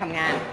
ทำงาน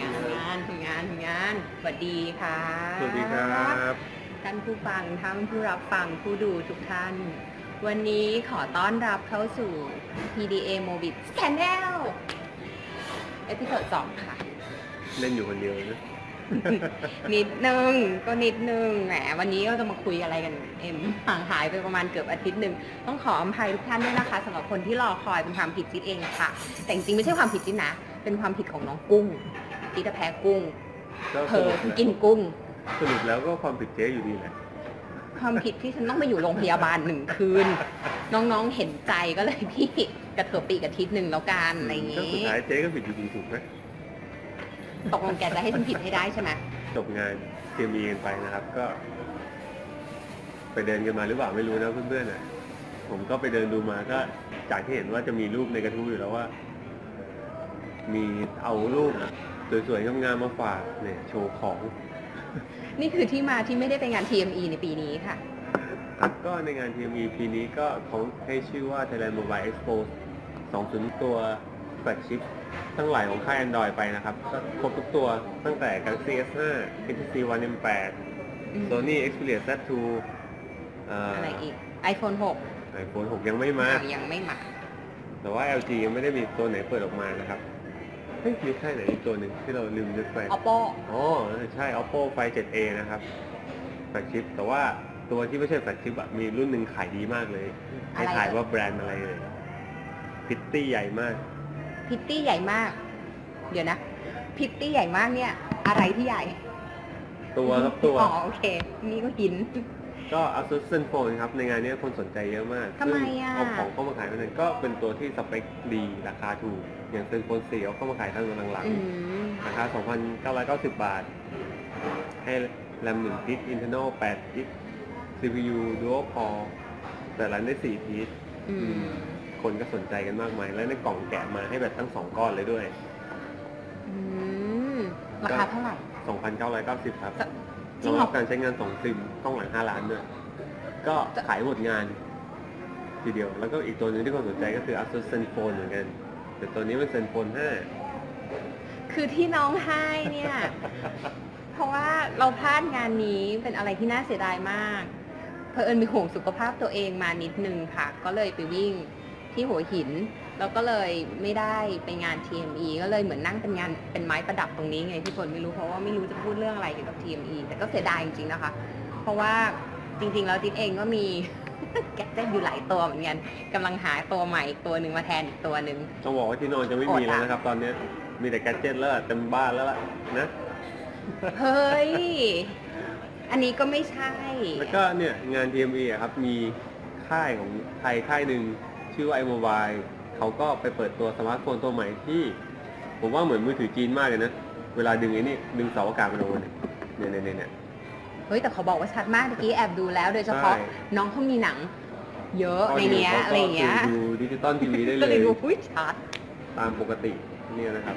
สวัสดีค่ะสวัสดีครับท่านผู้ฟังท่านผู้รับฟังผู้ดูทุกท่านวันนี้ขอต้อนรับเข้าสู่ PDA Mobit Channel เอพิโซด 2 ค่ะเล่นอยู่คนเดียวนะนิดนึงแหมวันนี้เราจะมาคุยอะไรกันเอ็มห่างหายไปประมาณเกือบอาทิตย์หนึ่งต้องขออภัยทุกท่านด้วยนะคะสำหรับคนที่รอคอยเป็นความผิดจิ๊ดเองค่ะแต่จริงๆไม่ใช่ความผิดจิ๊ดนะเป็นความผิดของน้องกุ้งจิ๊ดแพ้กุ้งเธอกินกุ้งสรุปแล้วก็ความผิดเจ๊อยู่ดีแหละความผิดที่ฉันต้องไปอยู่โรงพยาบาล1 คืนน้องๆเห็นใจก็เลยพี่กระเถิบปีกอาทิตย์หนึ่งแล้วกันอะไรอย่างนี้สุดท้ายเจ๊ก็ผิดอยู่ดีถูกไหมตกลงแกจะให้ฉันผิดให้ได้ใช่ไหมจบงานเตรียมมีกันไปนะครับก็ไปเดินกันมาหรือเปล่าไม่รู้นะเพื่อนๆนะผมก็ไปเดินดูมาก็จากที่เห็นว่าจะมีรูปในกระทู้อยู่แล้วว่ามีเอารูปสวยๆงามๆมาฝากเนี่ยโชว์ของนี่คือที่มาที่ไม่ได้ไปงาน TME ในปีนี้ค่ะครับก็ในงาน TME ปีนี้ก็เขาให้ชื่อว่า Thailand Mobile Expo 20ตัวแฟลกชิพทั้งหลายของค่าย Android ไปนะครับก็ครบทุกตัวตั้งแต่ Galaxy S5 HTC One M8 Sony Xperia Z2 อะไรอีก iPhone 6 ยังไม่มาแต่ว่า LG ยังไม่ได้มีตัวไหนเปิดออกมานะครับมีค่ายไหนอีกตัวหนึ่งที่เราลืมนึกไป Oppo อ๋อใช่ Oppo Find 7A นะครับแฟลกชิพแต่ว่าตัวที่ไม่ใช่แฟลกชิพมีรุ่นหนึ่งขายดีมากเลยให้ถ่ายว่าแบรนด์อะไรเลยพิตตี้ใหญ่มากเดี๋ยวนะพิตตี้ใหญ่มากเนี่ยอะไรที่ใหญ่ตัวครับตัวอ๋อโอเคนี่ก็กินก็ Asus Zenfone ครับในงานนี้คนสนใจเยอะมากทำไมอ่ะเอาของเข้ามาขายนั่นก็เป็นตัวที่สเปคดีราคาถูกอย่าง Zenfone 4เอาเข้ามาขายทางหลังๆราคา 2,990 บาทให้แรม1 GB Internal 8 GB CPU Dual Core แต่รันได้4 พีซคนก็สนใจกันมากมายและในกล่องแกะมาให้แบบทั้ง2ก้อนเลยด้วยราคาเท่าไหร่ 2,990 ครับรองรับการใช้งาน2 ซิมกล้องหลัง5 ล้านด้วยก็ขายหมดงานทีเดียวแล้วก็อีกตัวนึงที่คนสนใจก็คือ Asus Zenfone เหมือนกันแต่ตัวนี้เป็น Zenfone 5 คือที่น้องให้เนี่ย เพราะว่าเราพลาดงานนี้เป็นอะไรที่น่าเสียดายมากเผอิญมีห่วงสุขภาพตัวเองมานิดนึงค่ะก็เลยไปวิ่งที่หัวหินแล้วก็เลยไม่ได้ไปงาน TME ก็เลยเหมือนนั่งเป็นงานเป็นไม้ประดับตรงนี้ไงที่คนไม่รู้เพราะว่าไม่รู้จะพูดเรื่องอะไรเกี่ยวกับ TME แต่ก็เสียดายจริงๆนะคะเพราะว่าจริงๆแล้วจิ๊ดเองก็มี แกดเจ็ตอยู่หลายตัวเหมือนกันกำลังหาตัวใหม่ตัวหนึ่งมาแทนอีกตัวหนึ่งต้องบอกว่าที่นอนจะไม่มีแล้วนะครับตอนนี้มีแต่แกดเจ็ตแล้วเต็มบ้านแล้วล่ะนะเฮ้ยอันนี้ก็ไม่ใช่แล้วก็เนี่ยงาน TME ครับมีค่ายของไทยค่ายหนึ่งชื่อว่า iMobile เขาก็ไปเปิดตัวสมาร์ทโฟนตัวใหม่ที่ผมว่าเหมือนมือถือจีนมากเลยนะเวลาดึงเสาอากาศมาลงเนี่ยเฮ้ยแต่เขาบอกว่าชัดมากเมื่อกี้แอบดูแล้วโดยเฉพาะน้องเขามีหนังเยอะในเนี้ยอะไรเงี้ยดูดิจิตอลทีวีได้เลยก็เลยดูชัดตามปกติเนี่ยนะครับ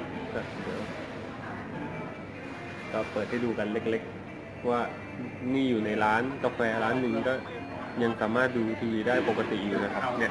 ก็เปิดให้ดูกันเล็กๆว่านี่อยู่ในร้านกาแฟร้านหนึ่งก็ยังสามารถดูทีวีได้ปกติอยู่นะครับเนี่ย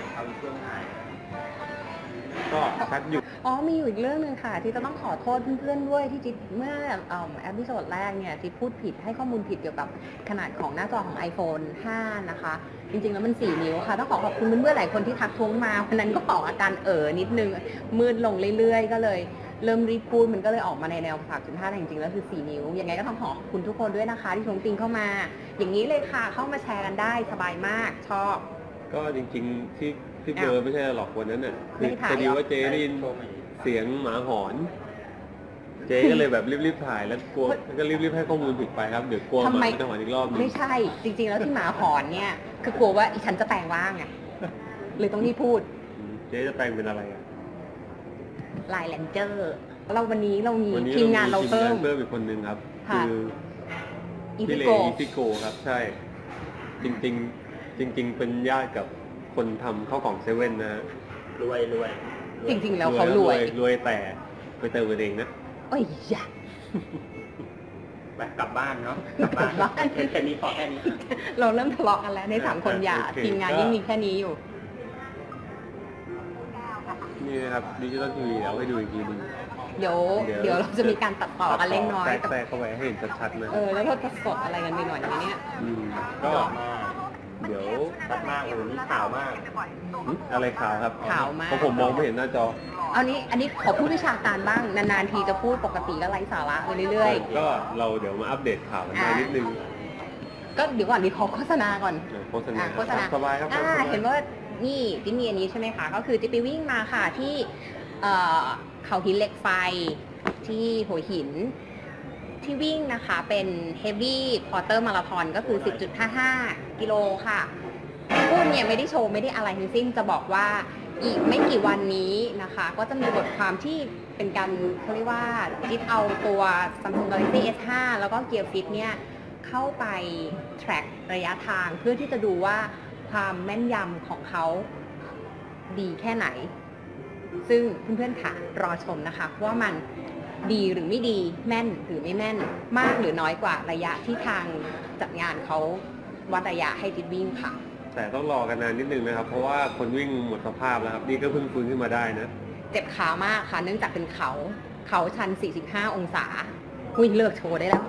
ก็ชัดอยู่มีอยู่อีกเรื่องนึงค่ะที่จะต้องขอโทษเพื่อนๆด้วยที่จิ๊ดเมื่อเอพิโซดแรกเนี่ยที่พูดผิดให้ข้อมูลผิดเกี่ยวกับขนาดของหน้าจอของ iPhone 5 นะคะจริงๆแล้วมัน4 นิ้วค่ะต้องขอบคุณเพื่อนๆหลายคนที่ทักท้วงมาวันนั้นก็ออกอาการนิดนึงมืดลงเรื่อยๆก็เลยเริ่มรีบพูดมันก็เลยออกมาในแนว 3.5 แต่จริงๆแล้วคือ4 นิ้วยังไงก็ต้องขอบคุณทุกคนด้วยนะคะที่ชมติงเข้ามาอย่างนี้เลยค่ะเข้ามาแชร์กันได้สบายมากชอบก็จริงๆที่เบอร์ไม่ใช่หรอกวันนั้นน่ะคือพอดีว่าเจได้ยินเสียงหมาหอนเจก็เลยแบบรีบๆถ่ายแล้วกลัวก็รีบๆให้ข้อมูลผิดไปครับเดี๋ยวกลัวหมาจะหอนอีกรอบนึงไม่ใช่จริงๆแล้วที่หมาหอนเนี่ยคือกลัวว่าฉันจะแปลงร่างไงเลยต้องรีบพูดเจจะแปลงเป็นอะไรอ่ะไลน์แลนเจอร์วันนี้เรามีทีมงานเราเพิ่มอีกคนนึงครับคือพี่เลอีซิโกครับใช่จริงเป็นญาติกับคนทำข้าวกล่องเซเว่นนะฮะรวยจริงๆแล้วเขารวยแต่ไปเติมเองนะโอ้ยยะไปกลับบ้านเนาะกลับบ้านแค่นี้พอแค่นี้เราเริ่มทะเลาะกันแล้วใน3 คนอย่าทีมงานยิ่งมีแค่นี้อยู่นี่นะครับดิจิตอลทีวีเอาให้ดูอีกทีนึงเดี๋ยวเราจะมีการตัดต่อกันเล็กน้อยแทรกเข้าไปให้เห็นชัดๆนะแล้วเราจะสดอะไรกันไปหน่อยไหมเนี่ยก็เดี๋ยวชัดมากเลยนี่ขาวมากอะไรขาวครับขาวมากเพราะผมมองไม่เห็นหน้าจออันนี้ขอพูดวิชาการบ้างนานๆทีจะพูดปกติก็ไร้สาระไปเรื่อยก็เราเดี๋ยวมาอัปเดตข่าวกันนิดนึงๆก็เดี๋ยวก่อนขอโฆษณาก่อนโฆษณาโฆษณาสบายครับเห็นว่านี่จิ๊บมีอันนี้ใช่ไหมคะก็คือจิ๊บไปวิ่งมาค่ะที่เขาหินเหล็กไฟที่หัวหินที่วิ่งนะคะเป็น Heavy Quarter Marathon ก็คือ 10.55 กิโลค่ะพูดเนี่ยไม่ได้โชว์ไม่ได้อะไรทั้งสิ้นจะบอกว่าอีกไม่กี่วันนี้นะคะก็จะมีบทความที่เป็นการเขาเรียกว่าจิ๊บเอาตัว Samsung Galaxy S5 แล้วก็ Gear Fit เนี่ยเข้าไป track ระยะทางเพื่อที่จะดูว่าความแม่นยำของเขาดีแค่ไหน ซึ่งเพื่อนๆค่ะรอชมนะคะว่ามันดีหรือไม่ดีแม่นหรือไม่แม่นมากหรือน้อยกว่าระยะที่ทางจัดงานเขาวัดระยะให้จิ๊บวิ่งค่ะแต่ต้องรอกันนานนิดนึงนะครับ เพราะว่าคนวิ่งหมดสภาพแล้วครับ นี่ก็เพิ่งฟื้นขึ้นมาได้นะเจ็บขามากค่ะเนื่องจากเป็นเขาชัน 45 องศาเลิกโชว์ได้แล้ว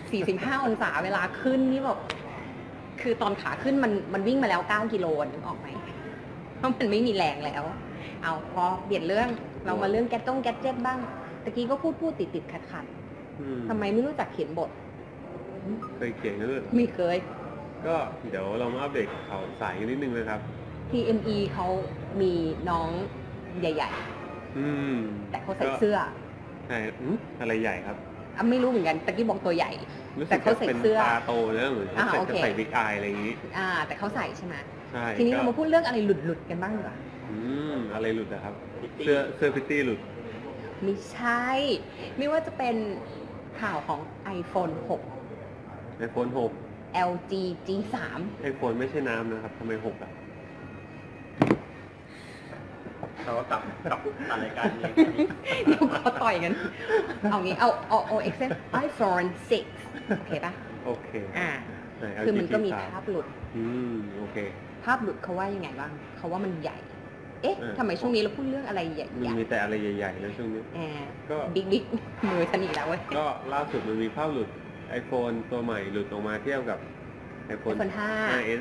45 องศาเวลาขึ้นนี่แบบคือตอนขาขึ้นมันวิ่งมาแล้ว 9 กิโลนึกออกไหมเพราะมันไม่มีแรงแล้ว เอาพอเปลี่ยนเรื่องเรามาเรื่องแก๊สเจ็บบ้างตะกี้ก็พูดติดขัดทำไมไม่รู้จักเขียนบทเคยเขียนกันด้วยไม่เคยก็เดี๋ยวเรามาอัปเดตข่าวสายกันนิดนึงนะครับ TME เขามีน้องใหญ่ แต่เขาใส่เสื้อใช่อะไรใหญ่ครับไม่รู้เหมือนกันตะกี้บอกตัวใหญ่รู้สึแต่กเขาจะใส่เป็นเสื้อตาโตนะเหมือนเขาโอเคใส่บิ๊กอายอะไรอย่างนี้แต่เขาใส่ใช่ไหมใช่ทีนี้เรามาพูดเรื่องอะไรหลุดกันบ้างดีกว่าอะไรหลุดนะครับ เสื้อพิตตี้หลุดไม่ใช่ ไม่ว่าจะเป็นข่าวของ iPhone 6 iPhone 6 LG G3 iPhone ไม่ใช่น้ำนะครับทำไม6อ่ะเขาก็ตัดรายการนี้เดี๋ยวขอต่อยกัน เอางี้เอา Excel iPhone 6 โอเคปะโอเค ไหนคือมันก็มี LG ภาพหลุดโอเคภาพหลุดเขาว่ายังไงบ้าง เขาว่ามันใหญ่ ทำไมช่วงนี้เราพูดเรื่องอะไรใหญ่มันมีแต่อะไรใหญ่ๆนะช่วงนี้ ก็บิ๊กมือฉันอีกแล้วเว้ยก็ล่าสุดมันมีภาพหลุด iPhone ตัวใหม่หลุดออกมาเทียบกับ iPhone 5s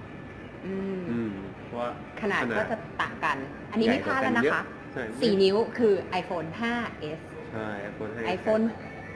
ว่าขนาดก็จะต่างกัน อันนี้ไม่พลาดแล้วนะคะใช่ 4 นิ้วคือ iPhone 5s ใช่ iPhone 5s iPhone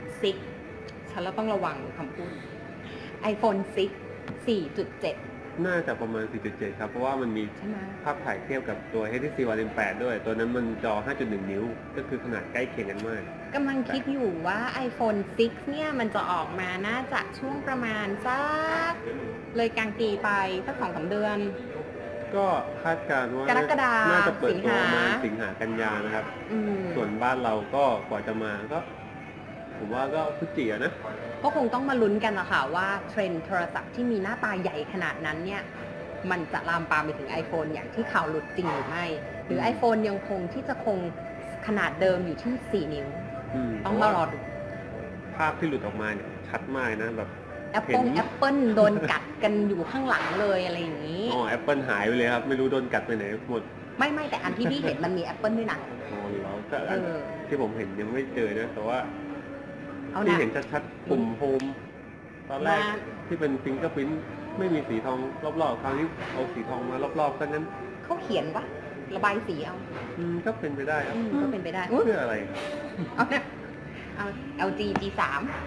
6 ฉันเราต้องระวังคำพูด iPhone 6 4.7 น่าจะประมาณ 4.7 ครับ เพราะว่ามันมีใช่ไหมภาพถ่ายเทียบกับตัว HTC One M8 ด้วย ตัวนั้นมันจอ 5.1 นิ้ว ก็คือขนาดใกล้เคียงกันมากกำลังคิดอยู่ว่า iPhone 6 เนี่ยมันจะออกมาน่าจะช่วงประมาณสักเลยกลางปีไปสัก 2-3 เดือนก็คาดการณ์ว่ากรกฎาคมน่าจะเปิดตัวประมาณสิสิงงหาหากันยานะครับอืมส่วนบ้านเราก็กว่าจะมาก็ ผมว่าก็พฤศจิกายนนะก็คงต้องมาลุ้นกันละค่ะว่าเทรนด์โทรศัพท์ที่มีหน้าตาใหญ่ขนาดนั้นเนี่ยมันจะลามปามไปถึง iPhone อย่างที่ข่าวหลุดจริงหรือไม่ หรือ iPhone ยังคงที่จะคงขนาดเดิมอยู่ที่ 4 นิ้ว ต้องมารอดูภาพที่หลุดออกมาเนี่ยชัดมากนะแบบ Apple โดนกัดกันอยู่ข้างหลังเลยอะไรอย่างนี้ Apple หายไปเลยครับ ไม่รู้โดนกัดไปไหนหมดไม่แต่อันที่พี่เห็นมันมี Apple ด้วยนะแล้วก็อันที่ผมเห็นยังไม่เจอนะ แต่ว่าเอาที่นะเห็นชัดๆปุ่มโฮมตอนแรกมาที่เป็นฟิงเกอร์พิ้นไม่มีสีทองรอบๆคราวนี้เอาสีทองมารอบๆซะงั้นเขาเขียนวะระบายสีเอาก็เป็นไปได้ครับก็เป็นไปได้เพื่ออะไรเอาเนี่ยเอา LG G3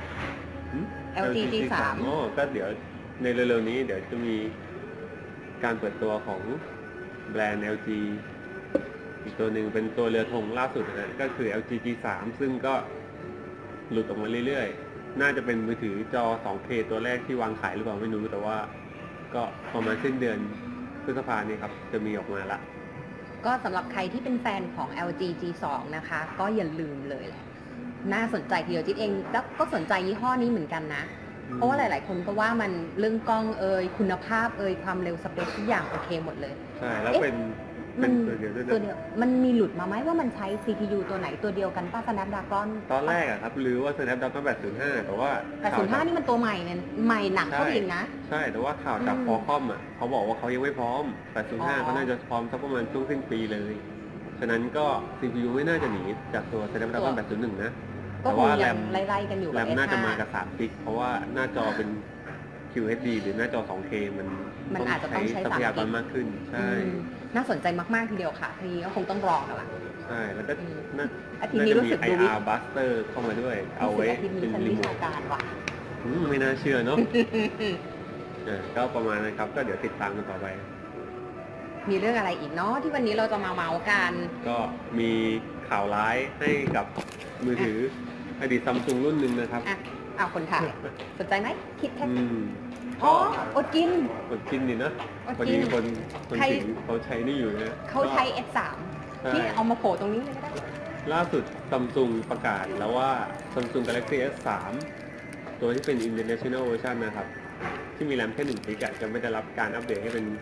LG G3 ก็เดี๋ยวในเร็วๆนี้เดี๋ยวจะมีการเปิดตัวของแบรนด์ LG อีกตัวหนึ่งเป็นตัวเรือธงล่าสุดนะก็คือ LG G3 ซึ่งก็หลุดออกมาเรื่อยๆ น่าจะเป็นมือถือจอ 2K ตัวแรกที่วางขายหรือเปล่าไม่รู้แต่ว่าก็ประมาณสิ้นเดือนพฤษภาคมนี้ครับจะมีออกมาละก็สำหรับใครที่เป็นแฟนของ LG G2 นะคะ ก็อย่าลืมเลยแหละน่าสนใจทีเดียวจิ๊ดเองแล้วก็สนใจยี่ห้อนี้เหมือนกันนะ เพราะว่าหลาย ๆ คนก็ว่ามันเรื่องกล้องคุณภาพความเร็วสเปคทุกอย่างโอเคหมดเลยใช่แล้วเป็นตัวเดียวด้วยตัวนะเดียวมันมีหลุดมาไหมว่ามันใช้ CPU ตัวไหนตัวเดียวกันป้า Snapdragon ตอนแรกอะครับหรือว่า Snapdragon 805 แต่ว่า 805 นี่มันตัวใหม่เนี่ยใหม่หนักเข้าไปอีกนะใช่แต่ว่าข่าวจากคอคอมอะเขาบอกว่าเขายังไม่พร้อม 805เขาน่าจะพร้อมสักประมาณช่วงสิ้นปีเลยฉะนั้นก็ CPU ไม่น่าจะหนีจากตัว Snapdragon 801 นะก็แต่คงว่าแรยังมไล่ๆกันอยู่แรกับมน่าจะ S5 มากับ3กิกเพราะว่าหน้าจอเป็น QHD หรือหน้าจอ 2K มันอาจจะต้องใช้ทรัพยากร 3 มากขึ้น ใช่น่าสนใจมากๆทีเดียวค่ะ ทีนี้ก็คงต้องรอกันละใช่ แล้วก็น่าอาทิตย์นี้รู้สึกดู IR Buster เข้ามาด้วย เอาไว้อาทิตย์เป็นี้นฉันรีวิโมชาทการว่ะไม่น่าเชื่อเนาะ ก็ประมาณนั้นครับ ก็เดี๋ยวติดตามกันต่อไปมีเรื่องอะไรอีกเนาะที่วันนี้เราจะมาเมาส์กันก็มีข่าวร้ายให้กับมือถืออดีตซัมซุงรุ่นหนึ่งนะครับอ่ะเอาคนถ่ายสนใจไหมคิดแค่อืมอ๋ออดกินกดกินนี่นะอดพอกิดีนคนใครถึงเขาใช้นี่อยู่นะเขาใช้ S3 ใช่ที่เอามาโผล่ตรงนี้เลยก็ได้ล่าสุดซัมซุงประกาศแล้วว่า Samsung Galaxy S3 ตัวที่เป็น International Version นะครับ ที่มีแรมแค่1 GB จะไม่ได้รับการอัปเดตให้เป็น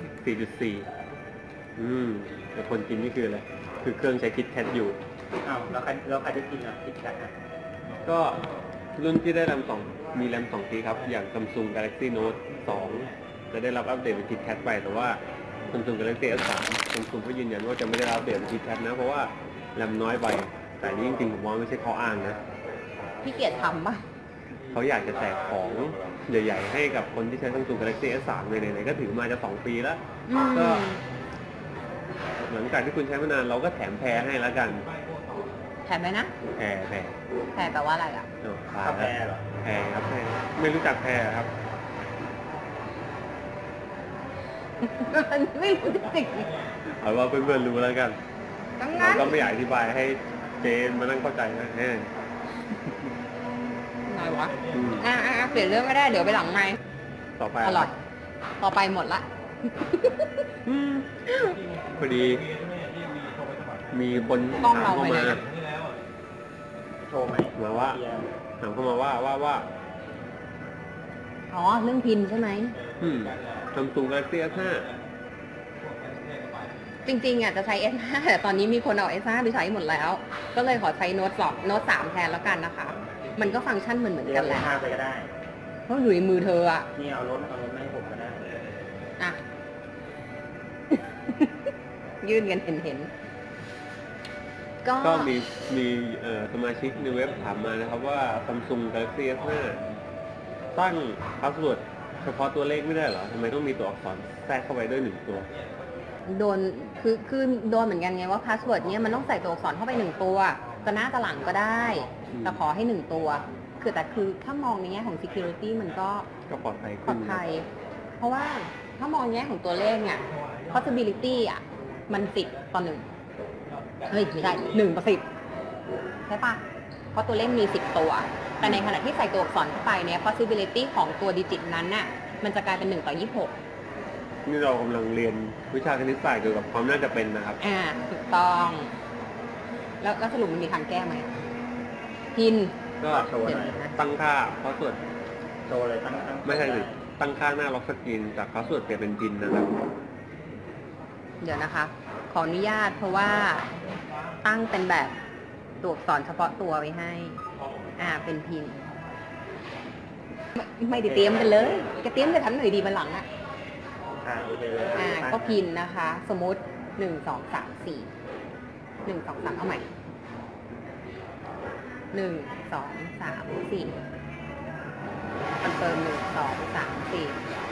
4.4 แต่คนกินนี่คืออะไร คือเครื่องใช้คิดแคทอยู่อ้าวแล้วใครจะกินอ่ะคิดแคทอ่ะก็รุ่นที่ได้แรม2มีแรม2 GB ครับ อย่าง Samsung Galaxy Note 2 จะได้รับอัปเดตเป็น KitKat ไป แต่ว่า Samsung Galaxy S3 Samsung ก็ยืนยันว่าจะไม่ได้รับอัปเดตเป็น KitKat นะ เพราะว่าแรมน้อยไป แต่นี่จริงๆผมว่าไม่ใช่ข้ออ้างนะพี่เกียรติทำป่ะเขาอยากจะแจกของใหญ่ๆ ให้กับคนที่ใช้ Samsung Galaxy S3 เลยไหนๆก็ถือมาจะ2 ปีแล้ว ก็ หลังจากที่คุณใช้มานานเราก็แถมแพรให้แล้วกันแถมไหมนะแพรแถมแปลว่าอะไรอ่ะตายกาแฟแล้วเหรอแพรครับแพรไม่รู้จักแพรครับมันไม่รู้จริงเอาว่าเพื่อนๆรู้แล้วกันๆตั้งเรานั้นก็ไม่อยากอธิบายให้เจนมานั่งเข้าใจนะแน่หน่อยวะเปลี่ยนเรื่องก็ได้เดี๋ยวไปหลังไมค์ต่อไปอร่อย ต่อไปหมดละพอดี มีคนกล้องถามเราเข้าไปมาเลยโชว์ไหมมาว่า ถามเข้ามาว่าอ๋อเรื่องพินใช่ไหม Samsung Galaxy S5 จริงๆอ่ะจะใช้ S5 แต่ตอนนี้มีคนเอา S5 ไปใช้หมดแล้ว ก็เลยขอใช้โน้ต3แทนแล้วกันนะคะ มันก็ฟังก์ชันเหมือนเรียกักนแหละห้าไปก็ได้เพราะอยู่ในมือเธออ่ะนี่เอารถมาให้ผมก็ได้อ่ะ ยื่นกันเห็นก็ก็มีสมาชิกในเว็บถามมานะครับว่า Samsung Galaxy S5 ตั้งพาสเวิร์ดเฉพาะตัวเลขไม่ได้เหรอทำไมต้องมีตัวอักษรแทรกเข้าไปด้วย1 ตัวโดนคือโดนเหมือนกันไงว่าพาสเวิร์ดเนี้ยมันต้องใส่ตัวอักษรเข้าไป1 ตัวจะหน้าจะหลังก็ได้ แต่ขอให้1 ตัว คือถ้ามองในแง่ของ security มันก็ก็ปลอดภัยปลขึ้อน ดภัย เพราะว่าถ้ามองในแง่ของตัวเลขเนี่ย possibility อ่ะ มัน10/1 เฮ้ยไม่ได้1/10 ใช่ปะเพราะตัวเลขมี10 ตัว แต่ในขณะที่ใส่ตัวอักษรเข้าไปเนี่ย possibility ของตัวดิจิตนั้นน่ะ มันจะกลายเป็น1/26 นี่เรากำลังเรียนวิชาคณิตศาสตร์เกี่ยวกับความน่าจะเป็นนะครับถูกต้อง แล้วสรุปมันมีทางแก้ไหมพินก็โชว์หน่อยตั้งค่าพาสเวิร์ดโชว์เลยตั้งไม่ใช่สิตั้งค่าหน้าล็อกสกรีนจากพาสเวิร์ดเปลี่ยนเป็นพินนะครับเดี๋ยวนะคะ ขออนุญาตเพราะว่าตั้งเป็นแบบตัวอักษรเฉพาะตัวไว้ให้ เป็นพิน ไม่ได้เตรียมกันเลยจะเตรียมจะทำหน่อยดีมาหลังอ่ะโอเคเลยก็พินนะคะ สมมติ1 2 3 4 1 2 3เอาใหม่1 2 3 4คอนเฟิร์ม1 2 3 4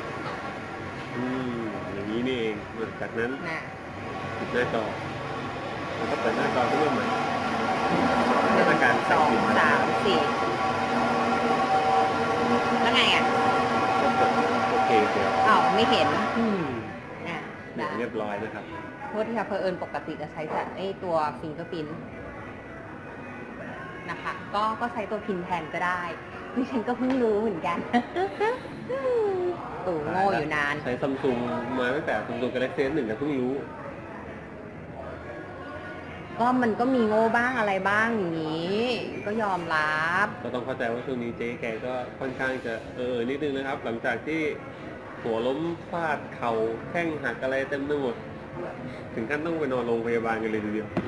อย่างนี้นี่เองจากนั้นนะปิดหน้าจอแล้วก็เปิดหน้าจอขึ้นมาใหม่ 1 อาการใส่ 2 พิน 3 4แล้วไงอ่ะก็กดโอเคเดี๋ยวอ้าวไม่เห็นได้เรียบร้อยนะครับโทษที่ค่ะเพอเอิญปกติจะใช้แต่ตัวฟิงเกอร์พินนะคะ ก็ใช้ตัวพินแทนก็ได้ดิฉันก็เพิ่งรู้เหมือนกัน ตู่โง่อยู่นานใช้ซัมซุงมาตั้งแต่ซัมซุง Galaxy S1 ก็เพิ่งรู้ก็มันก็มีโง่บ้างอะไรบ้างอย่างนี้ ก็ยอมรับก็ต้องเข้าใจว่าช่วงนี้เจ๊แกก็ค่อนข้างจะนิดนึงนะครับ หลังจากที่หัวล้มฟาดเข่าแข้งหักอะไรเต็มไปหมด ถึงขั้นต้องไปนอนโรงพยาบาลกันเลยทีเดียว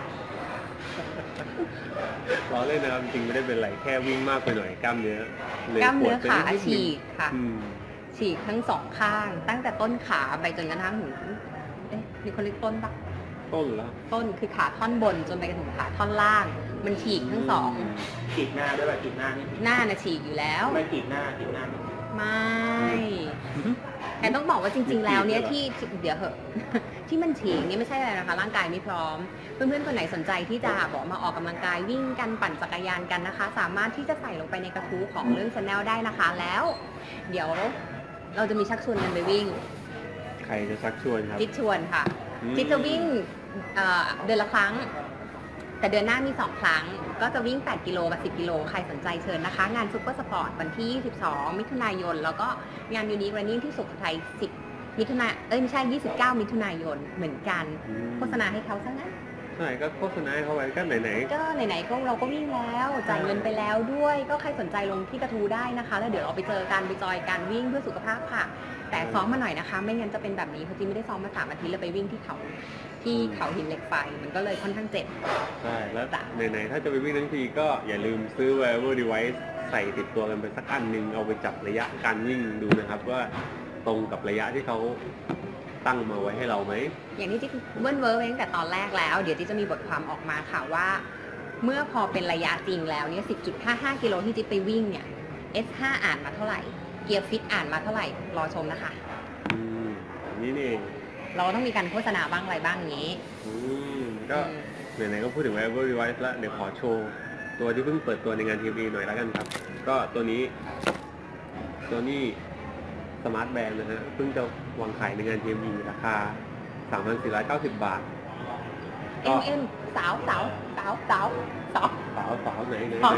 ล้อเล่นนะครับจริงไม่ได้เป็นไรแค่วิ่งมากไปหน่อยกล้ามเนื้อลยกล้ามเนื้อปวดไปขานิดนึงฉีกค่ะอืมฉีกทั้ง 2 ข้าง ตั้งแต่ต้นขาไปจนกระทั่งถึงมีคนเรียกต้นปะต้นแล้วต้นคือขาท่อนบนจนไปถึงขาท่อนล่าง มันฉีกทั้งสองฉีดหน้าด้วยป่ะฉีดหน้านี่หน้าน่ะฉีกอยู่แล้วไม่ฉีดหน้าไม่ไม่แต่ต้องบอกว่าจริง ๆ แล้วเนี่ยที่เดี๋ยวเหอะ ที่มันฉีกเนี่ยไม่ใช่อะไรนะคะร่างกายไม่พร้อม เพื่อนๆคนไหนสนใจที่จะบอกมาออกกำลังกายวิ่งกันปั่นจักรยานกันนะคะ สามารถที่จะใส่ลงไปในกระทู้ของเรื่อง Channel ได้นะคะแล้ว เดี๋ยวเราจะมีชักชวนกันไปวิ่งใครจะชักชวนครับจิ๊ดชวนค่ะ จิ๊ดจะวิ่งเดือนละครั้ง แต่เดือนหน้ามี2ครั้งก็จะวิ่ง8กิโลกับ10กิโลใครสนใจเชิญนะคะงานซุปเปอร์สปอร์ตวันที่22มิถุนายนแล้วก็งานยูนิครันนิ่งที่สุโขทัย10มิถุนายนไม่ใช่29มิถุนายนเหมือนกันโฆษณาให้เขาซะงั้นใช่ก็โฆษณาให้เขาไว้ก็ไหนก็ไหนๆก็เราก็วิ่งแล้วจ่ายเงินไปแล้วด้วยก็ใครสนใจลงที่กระทูได้นะคะ แล้วเดี๋ยวเราไปเจอกันไปจอยกันวิ่งเพื่อสุขภาพค่ะ แต่ซ้อมมาหน่อยนะคะ ไม่งั้นจะเป็นแบบนี้เพราะจีไม่ได้ซ้อมมา3 อาทิตย์แล้วไปวิ่งที่เขาหินเหล็กไฟมันก็เลยค่อนข้างเจ็บๆใช่แล้วไหนๆถ้าจะไปวิ่งทั้งทีก็อย่าลืมซื้อ wearable device ใส่ติดตัวกันไปสักอันหนึ่งเอาไปจับระยะการวิ่งดูนะครับว่าตรงกับระยะที่เขาตั้งมาไว้ให้เราไหมอย่างที่จิ๊กเบิ้ลเวิร์กไว้ตั้งแต่ตอนแรกแล้ว เดี๋ยวจิ๊กจะมีบทความออกมาค่ะว่า เมื่อพอเป็นระยะจริงแล้วเนี่ย 10.55 กิโลที่จิ๊กไปวิ่งเนี่ย S5 อ่านมาเท่าไหร่เกียร์ฟิตอ่านมาเท่าไหร่รอชมนะคะนี่นี่เองเราต้องมีการโฆษณาบ้างอะไรบ้างอย่างนี้ก็ไหนๆก็พูดถึง wearable device แล้วเดี๋ยวขอโชว์ตัวที่เพิ่งเปิดตัวในงาน TME หน่อยแล้วกันครับ ก็ตัวนี้สมาร์ทแบนด์นะฮะเพิ่งจะวางขายในงาน TME ราคา 3,490 บาทเอ็มสาวสาวไหน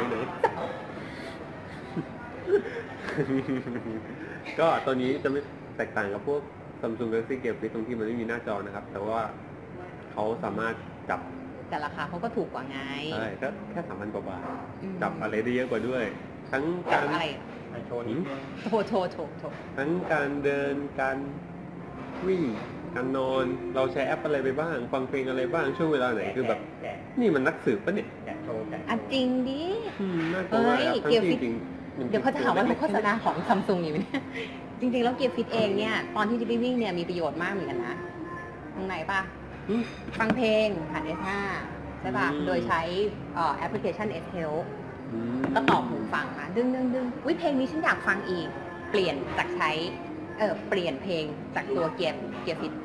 ก็ตัวนี้จะไม่แตกต่างกับพวก Samsung Galaxy Gear Fit ตรงที่มันไม่มีหน้าจอนะครับ แต่ว่าเขาสามารถจับแต่ราคาเขาก็ถูกกว่าไงใช่ก็แค่ 3,000 กว่าบาท จับอะไรได้เยอะกว่าด้วย ทั้งการอะไรโชว์นิดนึงโถทั้งการเดินการวิ่งการนอนเราใช้แอปอะไรไปบ้าง ฟังเพลงอะไรบ้างช่วงเวลาไหนคือแบบแกะนี่มันนักสืบปะเนี่ยแกะโชว์แกะอ่ะจริงดิน่ากลัวมากครับทั้งเกียร์ที่ฟิตจริงๆเดี๋ยวเขาจะหาว่าเราโฆษณาของซัมซุงอยู่เนี่ย จริงๆ แล้วเกียร์ฟิตเองเนี่ย ตอนที่จิ๊กไปวิ่งเนี่ยมีประโยชน์มากเหมือนกันนะ ตรงไหนป่ะ ฟังเพลงผ่าน S5 ใช่ป่ะ โดยใช้แอปพลิเคชัน S Health ก็ต่อหูฟังมาดึงวิเพลงนี้ฉันอยากฟังอีก เปลี่ยนจากใช้เปลี่ยนเพลงจากตัวเกียร์ฟิต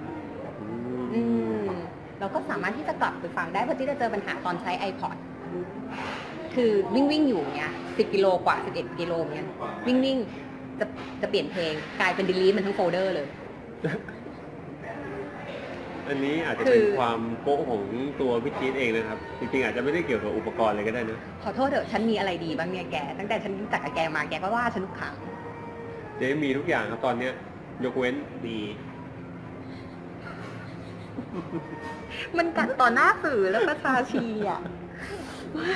เราก็สามารถที่จะกลับไปฟังได้เพราะที่จะเจอปัญหาตอนใช้ iPod คือวิ่งอยู่เนี้ย10 กิโลกว่า11 กิโลเนี้ยวิ่งจะเปลี่ยนเพลงกลายเป็น delete มันทั้งโฟลเดอร์เลยอันนี้อาจจะเป็นความโป๊ะของตัวพี่จี๊ดเองนะครับ จริงๆอาจจะไม่ได้เกี่ยวกับอุปกรณ์เลยก็ได้นะขอโทษเถอะฉันมีอะไรดีบ้างเนี่ยแกตั้งแต่ฉันรู้จักกับแกมาแกก็ว่าฉันทุกครั้งเจ๊มีทุกอย่างครับตอนเนี้ยยกเว้นดีมันกัดต่อหน้าสื่อแล้วประชาชีอ่ะไม่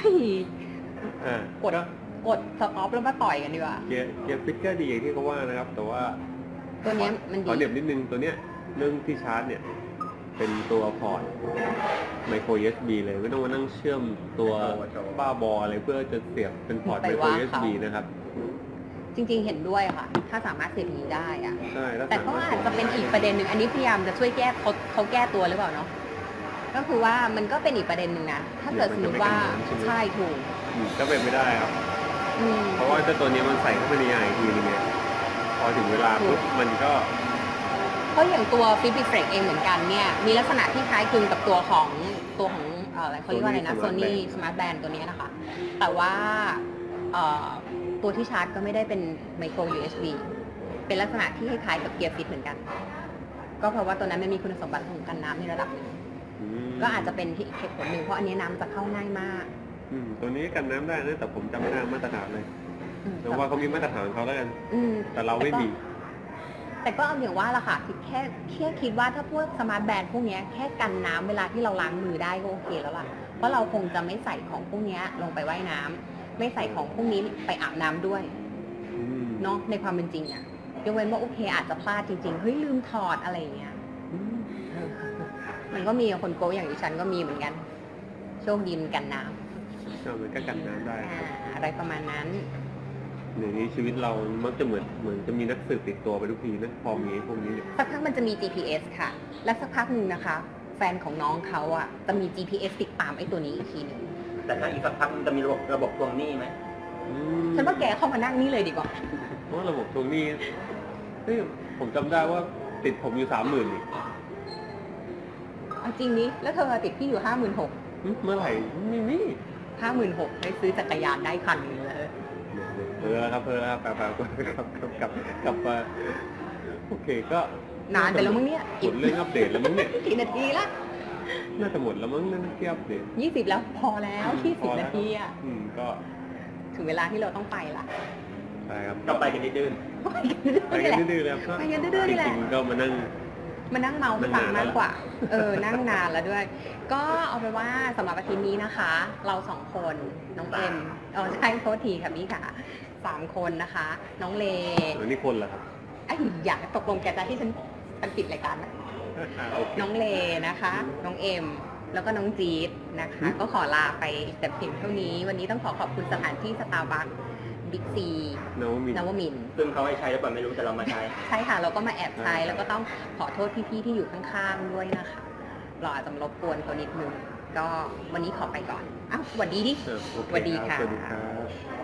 กดสต็อปแล้วมาต่อยกันดีกว่าเกียร์ฟิตก็ดีอย่างที่เขาว่านะครับ แต่ว่าตัวเนี้ยมันดีขอเด็บนิดนึงตัวเนี้ยเรื่องที่ชาร์จเนี่ยเป็นตัวพอร์ตไมโคร USB เลยไม่ต้องมานั่งเชื่อมตัวบ้าบออะไรเพื่อจะเสียบเป็นพอร์ตไมโคร USB นะครับจริงๆเห็นด้วยค่ะ ถ้าสามารถเสียบนี้ได้อะใช่แต่ก็อาจจะเป็นอีกประเด็นหนึ่งอันนี้พยายามจะช่วยแก้เขาแก้ตัวหรือเปล่าเนาะก็คือว่ามันก็เป็นอีกประเด็นหนึ่งนะถ้าเกิดสมมติว่าใช่ถูกก็เป็นไม่ได้ครับเพราะว่าเจ้าตัวนี้มันใส่เข้าไปในยางอีกทีนึงไงพอถึงเวลาปุ๊บมันก็เพราะอย่างตัวฟิบิเฟรกเองเหมือนกันเนี่ยมีลักษณะที่คล้ายคลึงกับตัวของอะไรเขาเรียกว่าอะไรนะ Sony Smart Band ตัวนี้นะคะ แต่ว่าตัวที่ชาร์จก็ไม่ได้เป็นไมโคร USB เป็นลักษณะที่คล้ายๆกับเกียร์ฟิตเหมือนกันก็เพราะว่าตัวนั้นมันมีคุณสมบัติของกันน้ำในระดับหนึ่งก็อาจจะเป็นที่เหตุผลหนึ่งเพราะอันนี้น้ำจะเข้าง่ายมากตัวนี้กันน้ำได้นะแต่ผมจำไม่ได้มาตรฐานเลยแต่ว่าเขามีมาตรฐานของเขาแล้วกันแต่เราไม่มีแต่ก็เอาอย่างว่าละค่ะแค่คิดว่าถ้าพวกสมาร์ทแบนด์พวกนี้แค่กันน้ำเวลาที่เราล้างมือได้ก็โอเคแล้วล่ะเพราะเราคงจะไม่ใส่ของพวกนี้ลงไปว่ายน้ำไม่ใส่ของพวกนี้ไปอาบน้ำด้วยเนาะในความเป็นจริงอะยกเว้นว่าโอเคอาจจะพลาดจริงๆเฮ้ยลืมถอดอะไรอย่างเงี้ยมันก็มีคนโก้อย่างดิฉันก็มีเหมือนกันโชคดีมันกันน้ำมันก็กันน้ำได้อะไรประมาณนั้นหนึ่งนี้ชีวิตเรามักจะเหมือนจะมีนักสืบติดตัวไปทุกทีนะพอมีพวกนี้เนี่ยสักพักมันจะมี GPS ค่ะและสักพักหนึ่งนะคะไฟนของน้องเขาอ่ะจะมี GPS ติดตามไอ้ตัวนี้อีกทีหนึ่งแต่ถ้าอีกสักพักมันจะมีระบบทวงหนี้ไหมฉันว่าแกเข้ามานั่งนี่เลยดีกว่าเพราะว่าระบบทวงหนี้เฮ้ยผมจำได้ว่าติดผมอยู่ 30,000นี่เอาจริงนี้แล้วเธอติดพี่อยู่ 56,000 เมื่อไหร่ไม่มี 56,000ได้ซื้อจักรยานได้คันหนึงเลยเพอแล้วครับกลับมาโอเคก็นานไปแล้วมั้งเนี่ยหมดเรื่องอัปเดตแล้วมั้งเนี่ยกี่นาทีละน่าจะหมดแล้วมั้งเรื่องที่อัปเดต 20แล้วพอแล้ว20นาทีอ่ะก็ถึงเวลาที่เราต้องไปละใช่ครับก็ไปกันดื้อไปกันดื้อๆแล้วไปกันดื้อๆนี่แหละจริงๆก็มานั่งเมาให้ฟังมากกว่า นั่งนานแล้วด้วย ก็เอาไปนว่าสำหรับอาทิตย์นี้นะคะ เรา2 คนน้องเอ็มใช่โทษทีค่ะพี่ค่ะ3 คนนะคะ น้องเลแล้วนี่คนเหรอครับไอ้อยากตกลงแกจะที่ฉันปิดรายการนะโอเคน้องเลนะคะ น้องเอ็ม แล้วก็น้องจี๊ดนะคะ ก็ขอลาไปแต่เพียงเท่านี้ วันนี้ต้องขอบคุณสถานที่สตาร์บัคบิ๊กซีนวมินทร์นวมินทร์ๆซึ่งเขาให้ใช้หรือเปล่าไม่รู้แต่เรามาใช้ใช่ค่ะ เราก็มาแอบใช้แล้วก็ต้องขอโทษพี่ๆที่อยู่ข้างๆด้วยนะคะ เราอาจจะมารบกวนเขานิดนึง ก็วันนี้ขอไปก่อน อ้าวสวัสดีดิโอเคสวัสดีรับค่ะสวัสดีครับ